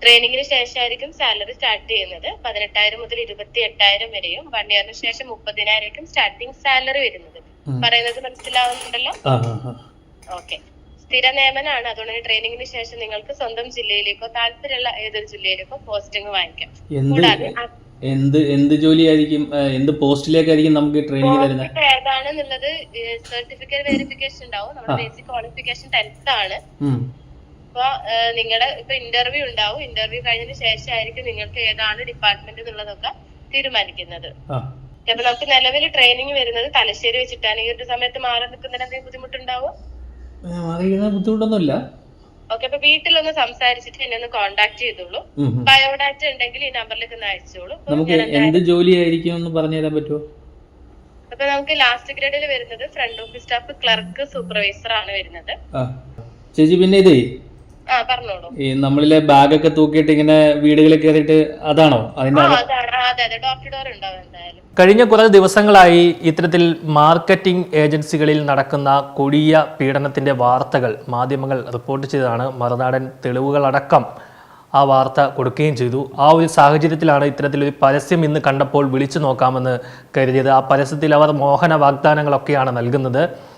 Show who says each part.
Speaker 1: ട്രെയിനിങ്ങിന് ശേഷമായിരിക്കും salary start ചെയ്യുന്നത്. 18,000 മുതൽ 28,000 വരെയും 1 ഇയറിന് ശേഷം 30,000 സ്റ്റാർട്ടിംഗ് സാലറി വരുന്നത്. പറയുന്നത് മനസ്സിലാവുന്നുണ്ടല്ലോ? ഓക്കെ. സ്ഥിര നിയമനാണ്. അതുകൊണ്ട് ട്രെയിനിങ്ങിന് ശേഷം നിങ്ങൾക്ക് സ്വന്തം ജില്ലയിലേക്കോ താല്പര്യമുള്ള ഏതൊരു ജില്ലയിലേക്കോ പോസ്റ്റിംഗ് വാങ്ങിക്കാം. കൂടാതെ
Speaker 2: എന്ത് ജോലിയായിരിക്കും, എന്ത് പോസ്റ്റിലേക്കായിരിക്കും നമുക്ക് ട്രെയിനിങ് തരുന്നത്?
Speaker 1: ഏതാണെന്നുള്ളത് സർട്ടിഫിക്കറ്റ് വെരിഫിക്കേഷൻ ഉണ്ടാവും. നമ്മുടെ ബേസിക് ക്വാളിഫിക്കേഷൻ 10th ആണ്. അപ്പൊ നിങ്ങളുടെ ഇപ്പൊ ഇന്റർവ്യൂ ഉണ്ടാവും. ഇന്റർവ്യൂ കഴിഞ്ഞതിന് ശേഷമായിരിക്കും നിങ്ങൾക്ക് ഏതാണ് ഡിപ്പാർട്ട്മെന്റ് എന്നുള്ളതൊക്കെ തീരുമാനിക്കുന്നത്. അപ്പൊ നമുക്ക് നിലവിൽ ട്രെയിനിങ് വരുന്നത് തലശ്ശേരി വെച്ചിട്ടാണ്. ഈ ഒരു സമയത്ത് മാറി നിൽക്കുന്നതിന് എന്തെങ്കിലും ബുദ്ധിമുട്ടുണ്ടാവോ?
Speaker 2: ബുദ്ധിമുട്ടൊന്നുമില്ല.
Speaker 1: ഓക്കെ. അപ്പൊ വീട്ടിലൊന്ന് സംസാരിച്ചിട്ട് എന്നെ ഒന്ന് കോണ്ടാക്ട് ചെയ്തോളൂ. ബയോഡാറ്റ ഉണ്ടെങ്കിൽ ഈ നമ്പറിലേക്ക് ഒന്ന് അയച്ചോളൂ.
Speaker 2: നമുക്ക് എന്ത് ജോലിയായിരിക്കും എന്ന് പറഞ്ഞു തരാൻ പറ്റുമോ?
Speaker 1: അപ്പൊ നമുക്ക് ലാസ്റ്റ് ഗ്രേഡിൽ വരുന്നത് front office staff, clerk, supervisor ആണ് വരുന്നത്.
Speaker 2: ചേച്ചി പിന്നെ ഇതേ
Speaker 1: പറഞ്ഞോളൂ.
Speaker 2: ഈ നമ്മളിലെ ബാഗൊക്കെ തൂക്കിയിട്ട് ഇങ്ങനെ വീടുകളിൽ കയറിയിട്ട് അതാണോ അതിന്റെ?
Speaker 1: അതെ, ഡോർ ടു ഡോർ ഉണ്ടാവും എന്തായാലും.
Speaker 3: കഴിഞ്ഞ കുറേ ദിവസങ്ങളായി ഇത്തരത്തിൽ മാർക്കറ്റിംഗ് ഏജൻസികളിൽ നടക്കുന്ന കൊടിയ പീഡനത്തിന്റെ വാർത്തകൾ മാധ്യമങ്ങൾ റിപ്പോർട്ട് ചെയ്തതാണ്. മറുനാടൻ തെളിവുകളടക്കം ആ വാർത്ത കൊടുക്കുകയും ചെയ്തു. ആ ഒരു സാഹചര്യത്തിലാണ് ഇത്തരത്തിലൊരു പരസ്യം ഇന്ന് കണ്ടപ്പോൾ വിളിച്ചു നോക്കാമെന്ന് കരുതിയത്. ആ പരസ്യത്തിൽ അവർ മോഹന വാഗ്ദാനങ്ങളൊക്കെയാണ് നൽകുന്നത്.